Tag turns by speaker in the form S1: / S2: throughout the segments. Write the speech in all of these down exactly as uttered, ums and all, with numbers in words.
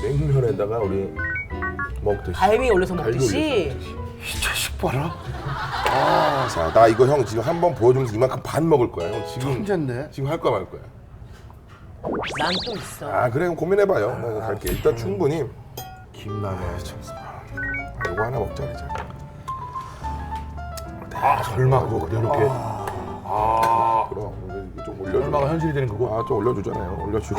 S1: 냉면에다가 우리 먹듯이.
S2: 갈비 올려서
S1: 갈비
S2: 먹듯이.
S1: 올려서 먹듯이.
S3: 이 자식 봐라.
S1: 아, 자, 나 이거 형 지금 한 번 보여주면서 이만큼 반 먹을 거야. 형 지금
S3: 천재인데?
S1: 지금 할 거야 말 거야.
S2: 난 또 있어.
S1: 아, 그래 그럼 고민해봐요. 뭐 갈게. 일단 충분히.
S3: 김라면.
S1: 아, 이거 하나 먹자 이제.
S3: 아 설마 그거 이렇게.
S1: 아, 그럼 이거 좀 올려줘.
S3: 설마가 현실이 되는 그거.
S1: 아, 좀 올려주잖아요. 올려주고.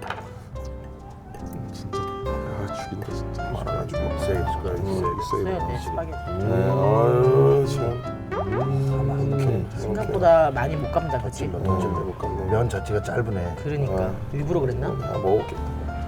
S1: 음, 진짜, 아, 죽인다 진짜. 많아가지고.
S3: 세게 숟가락 세게.
S2: 써야 돼 스파게티.
S1: 네, 아유 참. 음,
S2: 생각보다 많이 못 감다 그치?
S1: 좀 해볼까?
S3: 면 자체가 짧으네.
S2: 그러니까 일부러 그랬나?
S1: 아, 먹을겠다.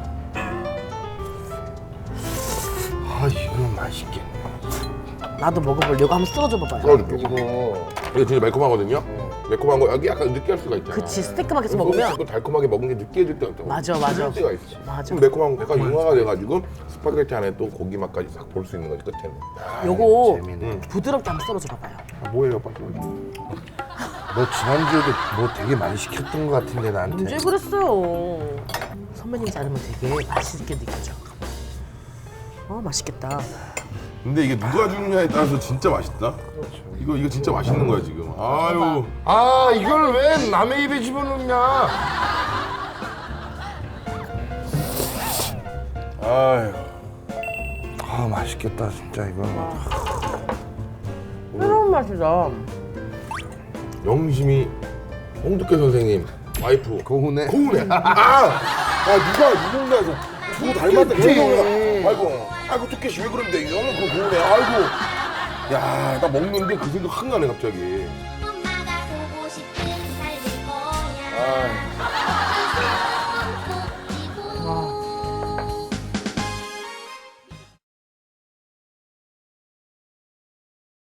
S3: 아 이거 맛있겠네.
S2: 나도 먹어보려고 한번 쓸어줘 봐봐요.
S1: 썰어줄게.
S3: 이거
S1: 이게 진짜 매콤하거든요. 매콤한 거 여기 약간 느끼할 수가 있잖아.
S2: 그치 스테이크만 계속
S1: 그리고
S2: 먹으면
S1: 또 달콤하게 먹은 게 느끼해질 때가 있잖아.
S2: 맞아, 맞아.
S1: 그럴 때가 있어.
S2: 맞아.
S1: 그럼 매콤한 거 약간 융화가 돼가지고 스파게티 안에 또 고기 맛까지 싹 볼 수 있는 거지 끝에는.
S2: 요거
S3: 재미네.
S2: 부드럽게 한번 썰어줘 봐봐요.
S1: 아, 뭐예요, 빨리.
S3: 너 지난주에도 뭐 되게 많이 시켰던 것 같은데 나한테.
S2: 언제 그랬어요? 선배님이 자르면 되게 맛있게 느껴져. 어 맛있겠다.
S1: 근데 이게 누가 주느냐에 따라서 진짜 맛있다. 이거 이거 진짜 맛있는 거야 지금. 아유.
S3: 아 이걸 왜 남의 입에 집어넣냐?
S1: 아유.
S3: 아 맛있겠다 진짜 이거.
S2: 새로운 맛이다.
S1: 영심이 홍두깨 선생님 와이프
S3: 고운해.
S1: 고운해. 아, 아 누가 누군가에서 누구 닮았다 그런 거야. 아이고, 아이고 두께씨 왜 그런데 너는 그거 고운해. 아이고, 야, 나 먹는데 그 생각 확 나네 갑자기.
S4: 엄마가 보고 싶은 삶일 거야.
S1: 아,